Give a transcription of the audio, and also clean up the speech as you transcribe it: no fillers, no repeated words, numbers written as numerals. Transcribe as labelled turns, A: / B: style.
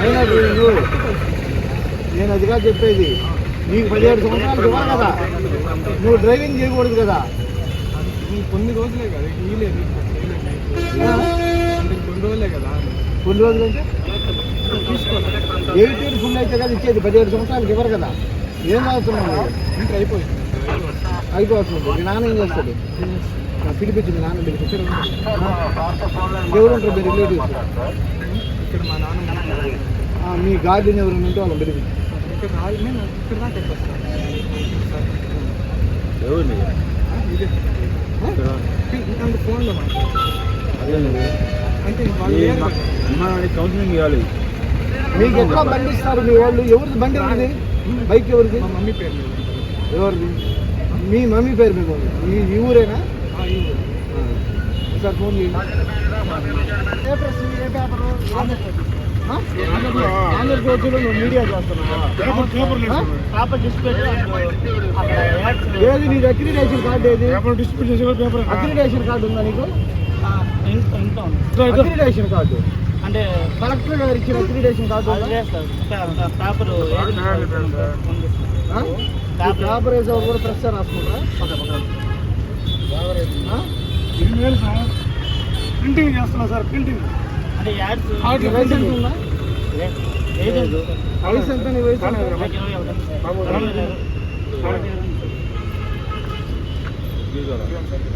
A: Minor driving నేను అదిగా చెప్పేది. నీకు 17 సంవత్సరాలు ఇవ్వాలి కదా, నువ్వు డ్రైవింగ్ చేయకూడదు కదా.
B: కొన్ని రోజులే కదా కొన్ని రోజులే కదా.
A: కొన్ని రోజులు అంటే 18 ఫుల్ అయితే కదా ఇచ్చేది, 17 సంవత్సరాలకి ఇవ్వరు కదా. ఏం అవసరం
B: ఇంకా
A: అయిపోతుంది. మీ నాన్న ఏం చేస్తాడు? పిలిపించింది నాన్న పిలిపించి. ఎవరు ఉంటారు మీ రిలేటివ్స్?
B: ఇక్కడ మా నాన్న
A: మీ గార్డెన్ ఎవరు ఉంటే వాళ్ళని పిలిపించి.
B: ఇక్కడ దాకా ఫోన్లో అంటే
C: కౌన్సిలింగ్ ఇవ్వాలి.
A: మీకు ఎట్లా బండి ఇస్తారు మీ వాళ్ళు? ఎవరిది బండి? ఎవరిది బైక్? ఎవరిది?
B: మా మమ్మీ పేరు మీద.
A: ఎవరిది? మీ మమ్మీ పేరు మీద ఉంది. ఈ ఊరేనా? సార్ ఫోన్ ఆంధ్రప్రదేశ్లో నువ్వు మీడియా చేస్తున్నావా? ఏది నీది అక్రిడేషన్ కార్డు? ఏది అక్రిడేషన్ కార్డు ఉందా నీకు? అక్రిడేషన్ కార్డు
D: అంటే
A: కలెక్టర్ గారు ఇచ్చిన అక్రిడేషన్ కార్డు పేపర్ వేసే కూడా ప్రెస్ రాసుకుంటారా?
B: ప్రింటింగ్ చేస్తున్నా సార్. ప్రింటింగ్
D: అంటే
A: లైసెన్స్ ఉందా? వయసు ఎంత? నీ వయసు ఎంత?